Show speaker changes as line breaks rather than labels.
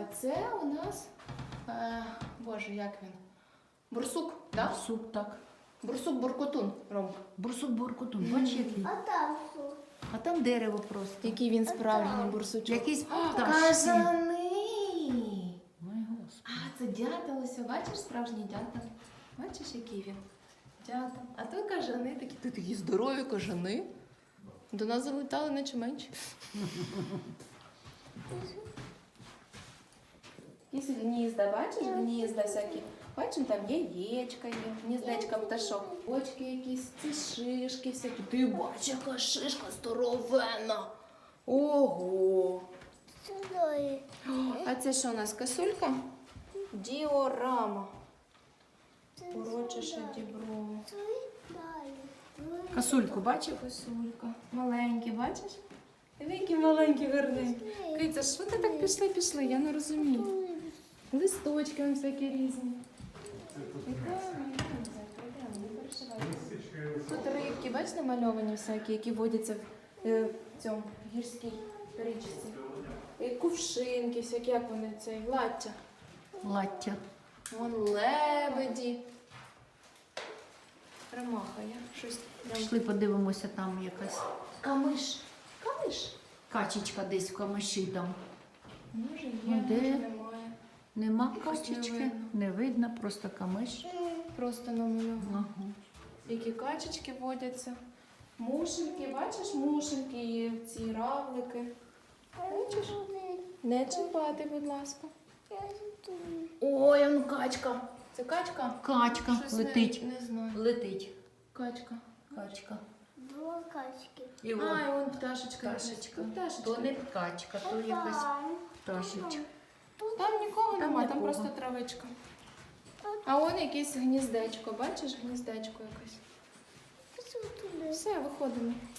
це у нас, боже, як він? Бурсук, да?
Бурсук, так.
Бурсук-буркотун, Ромка.
Бурсук-буркотун, бач який.
А там що?
А там дерево просто.
Який він справжній бурсучок.
Якийсь пташці.
Кажани!
Ой, Господи.
А, це дятел, ось, бачиш, справжній дятел. Бачиш, який він? Дятел. А то кажани такі, ти такі здорові кажани. До нас залетали наче менше. Якісь гнізда, бачиш, гнізда всякі. Бачиш, там яєчка є, гніздечка пташок. Очки якісь, ці шишки всякі. Ти бачиш, яка шишка здоровенна. Ого!
Сюди.
А це що у нас, косулька? Діорама. Урочише дібро.
Косульку бачив?
Косулька. Маленькі, бачиш? Диви, які маленькі, гарненькі. Киця, що ти так пішли? Я не розумію. Листочки вон всякі різні. Тут рибки, бачиш, намальовані всякі, які водяться в цьому гірській річці. І кувшинки, всякі, як вони, цей, лаття.
Лаття.
Вон лебеді. Ромаха, я щось прям...
Пішли подивимося, там якась
Камиш. Камиш?
качечка десь в камиші там.
Може є,
Ну, де?
може немає.
Нема
Якось не
качечки,
видно.
не видно, просто камиш.
Просто намальовано.
Ага.
Які качечки водяться. Мушельки, бачиш, мушельки є, ці равлики. Бачиш? Не чіпати, будь ласка. Ой, он качка. Це качка?
Качка
Щось
летить.
Не знаю.
Летить.
Качка.
Качка.
Два качки.
І
А, і вон пташечка.
пташечка.
Пташечка.
То не качка, то якась пташечка.
Там нікого
Там
нема, там
нікого.
просто травичка. А вон якесь гніздечко, бачиш, гніздечко якесь. Все, виходимо.